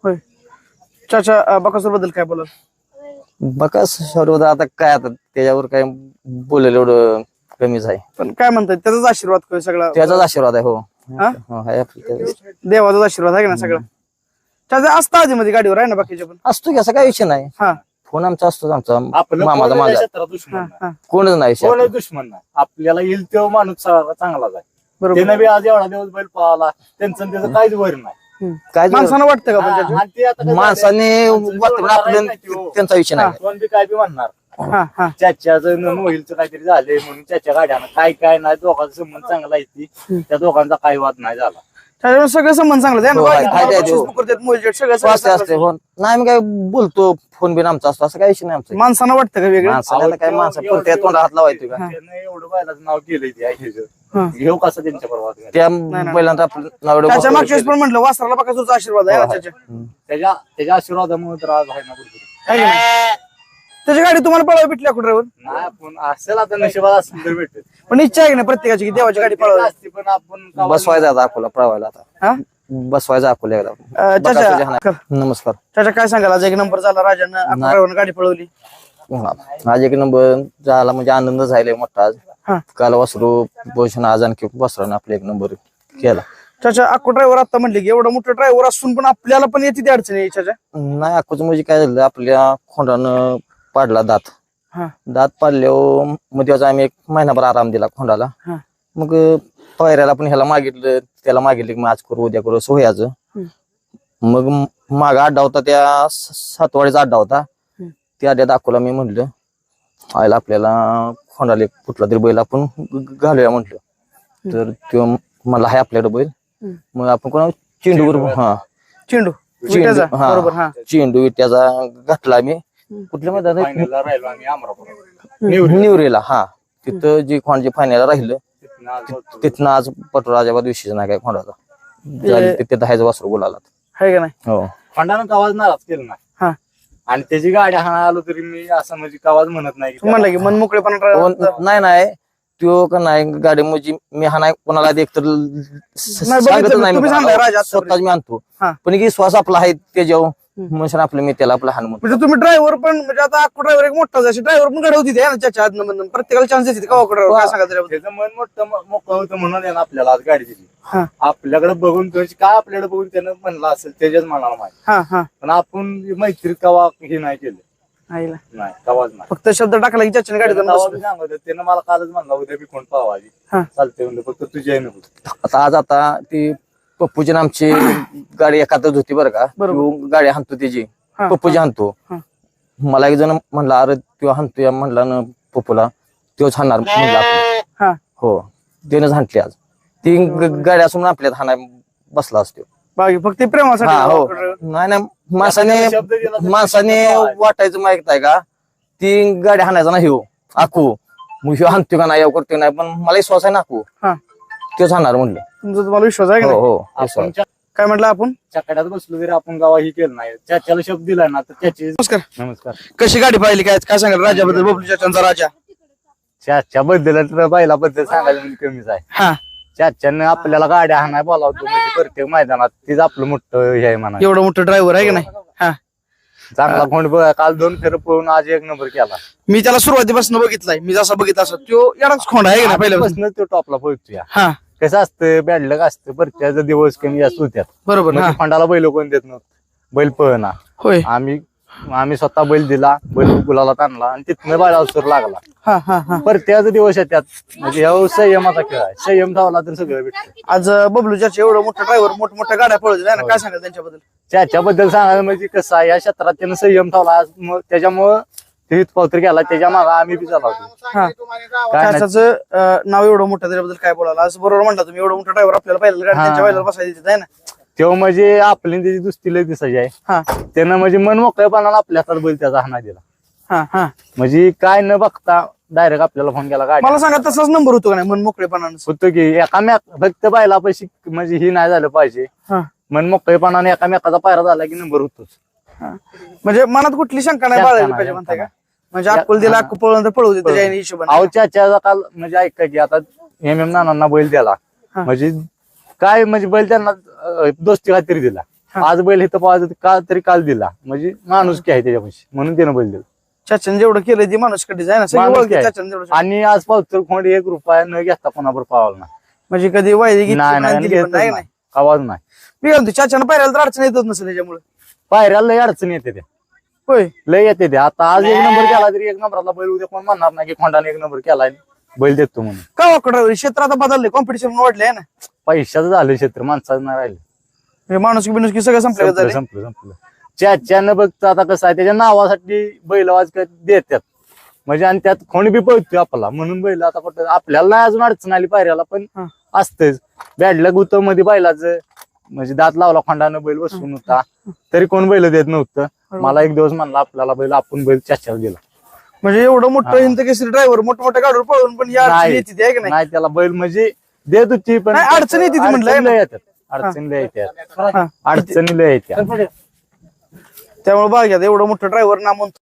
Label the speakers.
Speaker 1: होय. चाचा बकासूर बद्दल काय बोलाल?
Speaker 2: बकास सर्व आता काय आता त्याच्यावर काय बोलेल एवढं कमीच आहे.
Speaker 1: पण काय म्हणतात त्याचाच आशीर्वाद काय सगळा?
Speaker 2: त्याचाच आशीर्वाद आहे. हो
Speaker 1: हा?
Speaker 2: आहे त्याचाच.
Speaker 1: देवाचाच आशीर्वाद आहे का ना सगळं? चाचा असता आधी मध्ये गाडीवर आहे ना बाकीच्या पण?
Speaker 2: असतो की असा काय विषय नाही.
Speaker 1: हा
Speaker 2: फोन आमचा असतो आमचा
Speaker 3: आपलं
Speaker 2: मामाचा
Speaker 3: कोणाला
Speaker 2: माझा
Speaker 3: क्षेत्रात दुश्मन
Speaker 1: हा
Speaker 3: नाही.
Speaker 1: हा
Speaker 2: कोणच नाही
Speaker 3: कोणाला
Speaker 2: शेतात.
Speaker 3: दुश्मन नाही. आपल्याला येईल तेव्हा माणूस चांगलाच आहे.
Speaker 1: बरोबर.
Speaker 3: त्यानं बी आज एवढा दिवस बैल पळाला त्यांचं आणि त्याचं काहीच वर नाही.
Speaker 2: काय
Speaker 1: माणसानं वाटतं का पण
Speaker 3: हा,
Speaker 1: चाचा?
Speaker 3: आणि ते आता कसं
Speaker 2: माणसाने
Speaker 3: झालंय, माणसं
Speaker 2: वाटून
Speaker 3: जोडणारा
Speaker 2: आपलं
Speaker 3: नाही तो.
Speaker 2: त्यांचा विषय नाही.
Speaker 3: कोण बी काय बी म्हणणार
Speaker 1: हा हा
Speaker 3: चाच्याचं मोहिलचं काहीतरी झालंय म्हणून चाच्या गाड्यानं काय नाही दोघांचा संबंध चांगला आहे ती त्या दोघांचा काही वाद नाही झाला.
Speaker 1: त्याच्यावर सगळं संबंध चांगलं आहे ना?
Speaker 2: हो, आहे,
Speaker 1: बाकी
Speaker 2: आहे,
Speaker 1: तुम्हाला
Speaker 2: आहे, हो.
Speaker 1: बक्षीस करतात, मोलजेट सगळं
Speaker 2: असते
Speaker 1: चांगलं
Speaker 2: असते
Speaker 1: आहे.
Speaker 2: हो. नाही मी काय बोलतो फोन बिन आमचा असतो असं काही विषय नाही आमचा.
Speaker 1: माणसानं वाटतं का वेगळं?
Speaker 2: माणसाने आता काय माणसा पुरत्या तोंडा हात लावायचं का?
Speaker 3: त्यानं एवढं बैलाचं नाव केलंय ते
Speaker 1: हा.
Speaker 3: ह्याचं. घेऊ कसं त्यांच्या बरोबर
Speaker 2: त्या
Speaker 1: नाही.
Speaker 2: पहिल्यांदा आपलं नाव एवढं
Speaker 1: त्याच्या
Speaker 2: बसवलं
Speaker 1: मागच्या वेळेस पण म्हटलं वासराला बकासूरचा आशीर्वाद आहे ना चाचा?
Speaker 3: त्याच्या त्याच्या आशीर्वादामुळे तर आज आहे ना कुठेतरी.
Speaker 1: आहे का नाही? त्याची गाडी तुम्हाला पळावी भेटली कुठं?
Speaker 3: नाही आपण असेल आता नशिबात असेल तर भेटेल.
Speaker 1: पण इच्छा आहे की नाही प्रत्येकाची की देवाची गाडी पळावी?
Speaker 3: असते पण आपण गावात-
Speaker 2: बसवायचा आता अकोला पळवायला आता
Speaker 1: हा
Speaker 2: बसवायचा अकोला एकदा. बकासूरच्या
Speaker 1: चाचा
Speaker 2: हाणात. नमस्कार.
Speaker 1: चाचा काय सांगाल? आज एक नंबर झाला राजानं अकोल्यावरून गाडी पळवली.
Speaker 2: आज एक नंबर झाला म्हणजे आनंद झालाय मोठा आज.
Speaker 1: हा
Speaker 2: काल वासरू भूषण आज आणखी वासरानं आपला एक नंबर केला.
Speaker 1: चाचा अक्को ड्रायव्हर आता म्हणले की एवढा मोठा ड्रायव्हर असून पण आपल्याला पण येते ती अडचण आहे चाचा.
Speaker 2: नाही अकोच म्हणजे काय झालं आपल्या खोंडानं पाडला दात.
Speaker 1: हा
Speaker 2: दात पाडल्यावर मग त्याचा आम्ही एक महिनाभर आराम दिला खोंडाला.
Speaker 1: हा
Speaker 2: मग पायऱ्याला पण ह्याला मागितलं त्याला मागितलं की मग आज करू उद्या करू सोयाचं. मग माग अड्डा होता त्या सातवाडीचा अड्डा होता. त्या अड्ड्यात अकोला मी म्हणलं आयला आपल्याला खोंडाला एक कुठला तरी बैल आपण घालूया म्हटलं. तर तो मला आहे आपल्याकडे बैल. मग आपण कोणा चेंडू हा
Speaker 1: चेंडू विट्याचा, बरोबर. हा
Speaker 2: चेंडू विट्याचा घातला मी कुठल्या मैदानात
Speaker 3: फायनलला राहिलो आम्ही अमरापूर.
Speaker 2: निवरेला. हा तिथं जे खोंड जे फायनल राहिलं
Speaker 3: तिथनं आज होतो.
Speaker 2: तिथनं आज पटोराजाबाद विषय नाही काय खोंडाचा झालं तिथे दहायचं वासरू बोलाला.
Speaker 1: आहे का नाही?
Speaker 2: हो
Speaker 3: खंडानं कवाज नाराज केलं नाही
Speaker 1: हा
Speaker 3: आणि त्याची गाडी हाणा आलो तरी मी असं म्हणजे कवाज म्हणत नाही की
Speaker 1: म्हणलं की मन मोकळेपणा
Speaker 2: नाही नाही तो का नाही गाडी म्हणजे मी हा नाही कोणाला एक तर सांगत नाही
Speaker 1: तुम्ही सांगा राजा
Speaker 2: मी.
Speaker 1: आतापर्यंत.
Speaker 2: स्वतःच मी आणतो
Speaker 1: हा.
Speaker 2: पण की श्वास आपला आहे त्याच्यावर म्हणून आपलं मी त्याला आपला हान म्हणतो.
Speaker 1: म्हणजे तुम्ही ड्रायव्हर पण म्हणजे आता अक्को ड्रायव्हर एक मोठा ड्रायव्हर पण घडवती ना चाचा आदन मधून प्रत्येकाला चान्स देते का ड्रायव्हर? काय सांगा त्याच्याबद्दल?
Speaker 3: त्याचं मन मोठं मोकळं होतं म्हणून यानं आपल्याला आज गाडी दिली.
Speaker 1: हा
Speaker 3: आपल्याकडे बघून तुझी काय आपल्याकडे बघून त्यानं म्हणलं असेल त्याच्याच मनाला माहिती.
Speaker 1: हा हा
Speaker 3: पण आपण मैत्रीत कवा हे नाही केलं.
Speaker 1: आईला
Speaker 3: नाही कवाच नाही.
Speaker 1: फक्त शब्द टाकला की चाचाने गाडी
Speaker 3: त्यानं तवा बी सांगत होतं, त्यानं मला कालच म्हणला उद्या बी कोण पावाजी
Speaker 1: हा
Speaker 3: चालते म्हणलं फक्त तुझी आहे नको.
Speaker 2: आता आज आता ती पप्पूची आमची गाडी एखादच होती बरं का.
Speaker 1: बरोबर.
Speaker 2: तो गाडी हाणतो त्याची
Speaker 1: हा,
Speaker 2: पप्पूची हाणतो.
Speaker 1: हा.
Speaker 2: मला एक जण म्हणला अरे तो हाणतो म्हणला ना पप्पूला तोच हाणणार म्हणला आपण.
Speaker 1: हा
Speaker 2: हो त्यानंच हाणली आज. ती गाडी असून आपल्यात हाणाय बसला असतो.
Speaker 1: बाकी फक्त प्रेमासाठी
Speaker 2: हा हो
Speaker 1: अक्को driver.
Speaker 2: नाही नाही माणसाने
Speaker 3: शब्द दिला तर
Speaker 2: माणसाने वाटायचं माहित आहे का ती गाडी हाणायचा ना ह्यो आखू मग ह्यो हाणतो का नाही येऊ करतो नाही पण मला विश्वास आहे ना आखू
Speaker 1: हा
Speaker 2: तोच हाणणार म्हणलं.
Speaker 1: तुमचा तुम्हाला विश्वास आहे का
Speaker 2: हो
Speaker 1: नाही?
Speaker 2: हो
Speaker 3: आपण
Speaker 2: विश्वास.
Speaker 1: काय म्हटलं आपण?
Speaker 3: चकड्यात बसलो तरी आपण गावा ही केलं नाही. त्याच्याला शब्द दिला ना तर त्याची
Speaker 1: नमस्कार.
Speaker 3: नमस्कार.
Speaker 1: कशी गाडी पाहिली काय काय सांगाल राजाबद्दल? बबलू चाचांचा राजा.
Speaker 3: चाच्या बद्दल तर बैलाबद्दल सांगायला म्हणजे कमीच आहे.
Speaker 1: हा
Speaker 3: चाच्यानं आपल्याला गाड्या हाणाय बोलावतो म्हणजे प्रत्येक मैदानात तीच आपलं मोठं हे आहे म्हणा.
Speaker 1: एवढं मोठं ड्रायव्हर आहे का नाही? हा
Speaker 3: चांगला कोण काल 2 फेर पळून आज 1 नंबर केला.
Speaker 1: मी त्याला सुरुवातीपासून बघितलाय. मी जसा बघितला असं तो एवढाच खोंड आहे का नाही पहिल्यापासून?
Speaker 3: पहिल्यापासून तो टॉपला पोहोचतो या.
Speaker 1: हा
Speaker 3: कसं असतं बॅडलक असतं प्रत्येकाचा दिवस कमी जास्त होत्यात.
Speaker 1: बरोबर. हा
Speaker 3: फंडाला बैल कोण देत नव्हतं. बैल पळना
Speaker 1: होय.
Speaker 3: आम्ही स्वतः बैल दिला बैल गुलाला आणला आणि तिथनं बैलाला सूर लागला.
Speaker 1: हा हा हा
Speaker 3: प्रत्येकाचा दिवस येतात म्हणजे हा संयमाचा खेळ आहे. संयम धावला तर सगळं भेटतं.
Speaker 1: आज बबलू चाचा एवढं मोठं ड्रायव्हर मोठ्या गाड्या पळवते ना. काय सांगाल त्यांच्याबद्दल?
Speaker 3: त्याच्याबद्दल सांगायला म्हणजे कसं आहे या क्षेत्रात त्यानं संयम ठेवला त्याच्यामुळं ते हितपावतर गेला त्याच्या मागे आम्ही बी चालवतो.
Speaker 1: हा चाचाचं नाव एवढं मोठं त्याच्याबद्दल काय बोलायला? आज बरोबर म्हणला तुम्ही एवढं मोठं ड्रायव्हर आपल्याला पहिल्या गाडी त्यांच्या पहिल्याला बसायला देत आहे ना.
Speaker 3: तेव्हा म्हणजे आपली त्याची दुसरी लय दिसायची आहे.
Speaker 1: हा
Speaker 3: त्यानं म्हणजे मन मोकळेपणाला आपल्या हातात बैल त्याचा हाना दिला.
Speaker 1: हा हा
Speaker 3: म्हणजे काय न बघता डायरेक्ट आपल्याला फोन केला गाडी
Speaker 1: मला सांगा तसाच नंबर होतो का नाही मन मोकळेपणानं?
Speaker 3: होतो की एकामेक फक्त बैला पैसे म्हणजे ही नाही झालं पाहिजे.
Speaker 1: हा
Speaker 3: मन मोकळेपणाने एकामेकाचा पायरा झाला की नंबर होतोच.
Speaker 1: हा. म्हणजे मनात कुठली शंका नाही
Speaker 3: शंका
Speaker 1: बाळगली
Speaker 3: नाही,
Speaker 1: पाहिजे म्हणताय का?
Speaker 3: शंका
Speaker 1: म्हणजे अक्कल दिला अक्कल पळवून पळवू दे त्याच्या हिशोबाने.
Speaker 3: अहो चाचा काल म्हणजे ऐका की आता नानांना बैल दिला
Speaker 1: हा.
Speaker 3: म्हणजे काय म्हणजे बैल त्यांना दोस्ती खात्री दिला. आज बैल इथं पाहायचं का तरी काल दिला, म्हणजे माणूस की आहे त्याच्यापाशी म्हणून त्यानं बैल दिला.
Speaker 1: चाच्याने जेवढं केलं ते माणूस कधीच आहे ना, सगळी
Speaker 3: माणूस
Speaker 1: ओळखी
Speaker 3: काय?
Speaker 1: चाच्याने जेवढं.
Speaker 3: आणि आज पावतर खोंड 1 रुपया न घेता कोणावर पावला नाही.
Speaker 1: म्हणजे कधी वायदे घेतली
Speaker 3: नाही
Speaker 1: पण नाही,
Speaker 3: नाही
Speaker 1: दिली पण
Speaker 3: घेतच
Speaker 1: नाही
Speaker 3: नाही. आवाज नाही.
Speaker 1: मी काय म्हणतो चाच्यानं पायऱ्याला तर अडचण येतच नसेल त्याच्यामुळे.
Speaker 3: पायऱ्याला लय अडचण येते त्या,
Speaker 1: होय.
Speaker 3: लय येते ते. आता आज 1 नंबर केला तरी 1 नंबरला बैल उद्या कोण म्हणणार नाही की खोंडाने 1 नंबर केलाय बैल देतो म्हणून.
Speaker 1: का वाकडा क्षेत्र आता बदलले, कॉम्पिटिशन वाढले आहे ना,
Speaker 3: पैशाचं झालं क्षेत्र, माणसाचं नाही राहिलं.
Speaker 1: म्हणजे माणूस बिनुस सगळं संपलं
Speaker 3: संपलं
Speaker 1: झाले.
Speaker 3: संपलं संपलं. चाच्यानं बघतं आता कसं आहे, त्याच्या नावासाठी बैल आवाज देतात म्हणजे, आणि त्यात कोणी बी पळतोय आपला म्हणून बैल आता कुठं आपल्याला नाही अजून अडचण आली पायऱ्याला, पण
Speaker 1: हा.
Speaker 3: असतेच. बॅडला गुत मध्ये बैलाचं म्हणजे दात लावला खोंडानं बैल बसून होता तरी कोण बैल देत नव्हतं. मला एक दिवस म्हणला आपल्याला बैल, आपण बैल चाच्याला दिला.
Speaker 1: म्हणजे एवढं मोठं हिंद केसरी ड्रायव्हर मोठ्या गाडीवर पळून पण या अडचणी येते ते, आहे का नाही?
Speaker 3: नाही त्याला बैल म्हणजे देत होती, पण
Speaker 1: नाही, अडचण येते ती म्हणलं, आहे ना?
Speaker 3: अडचणीला येतात, अडचणीला येतात,
Speaker 1: हा.
Speaker 3: अडचणीला येतात.
Speaker 1: त्यामुळे बघा एवढं मोठं ड्रायव्हर नाम